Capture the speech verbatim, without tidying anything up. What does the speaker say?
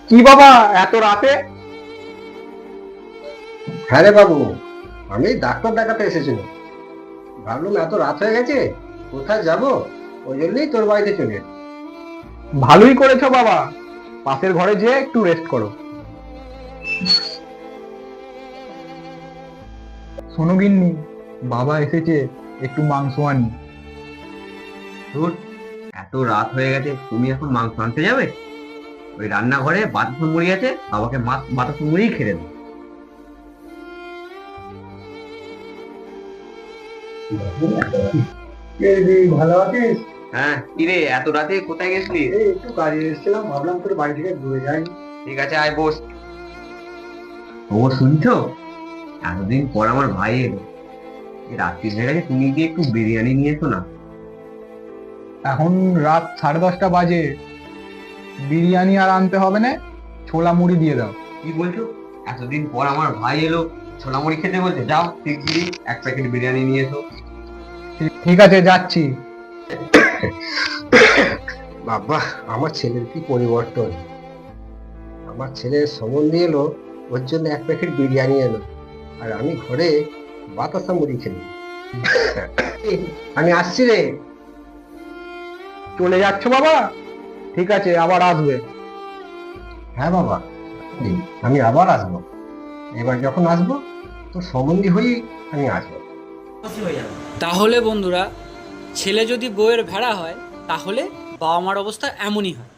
কি বাবা এত রাতে? হ্যাঁ রে বাবু, আমি ডাক্তার দেখাতে এসেছিলাম। ভাবলাম এত রাত হয়ে গেছে, কোথায় যাব, ওই জন্যই তোর বাড়িতে চলে এলাম। ভালোই করেছো বাবা, পাশের ঘরে যেয়ে একটু রেস্ট করো। শোনো গিন্নি, বাবা এসেছে, একটু মাংস আনি। ধুর, এত রাত হয়ে গেছে, তুমি এখন মাংস আনতে যাবে? ওই রান্নাঘরে বাতাসা মুড়ি আছে, বাবাকে মা- বাতাসা মুড়িই খেতে দাও। ভালো আছিস? হ্যাঁ, কিরে এত রাতে কোথায় গেছিলি? এই একটু কাজে এসেছিলাম, ভাবলাম তোর বাড়ি থেকে ঘুরে যাই। ঠিক আছে, আয় বস। ও শুনছো, এতদিন পর আমার ভাই এলো। এই রাত্রি হয়ে গেছে, তুমি গিয়ে একটু বিরিয়ানি নিয়ে এসো না। এখন রাত সাড়ে দশটা বাজে, বিরিয়ানি আর আনতে হবে না, ছোলা মুড়ি দিয়ে দাও। কি বলছো? এতদিন পর আমার ভাই এলো, ছোলা মুড়ি খেতে বলছে? যাও শিগগিরই এক প্যাকেট বিরিয়ানি নিয়ে এসো। ঠিক- ঠিক আছে, যাচ্ছি। বাবা, আমার ছেলের কি পরিবর্তন! আমার ছেলের সম্বন্ধে এলো, ওর জন্য এক প্যাকেট বিরিয়ানি এলো, আর আমি ঘরে বাতাসা মুড়ি খেলি। আমি আসছি রে। চলে যাচ্ছ বাবা? ঠিক আছে, আবার আসবে। হ্যাঁ বাবা, আমি আবার আসবো। এবার যখন আসবো, তোর সম্বন্ধী হয়েই আমি আসবো। তাহলে বন্ধুরা, ছেলে যদি বউয়ের ভেড়া হয় তাহলে বাবা মার অবস্থা এমনই হয়।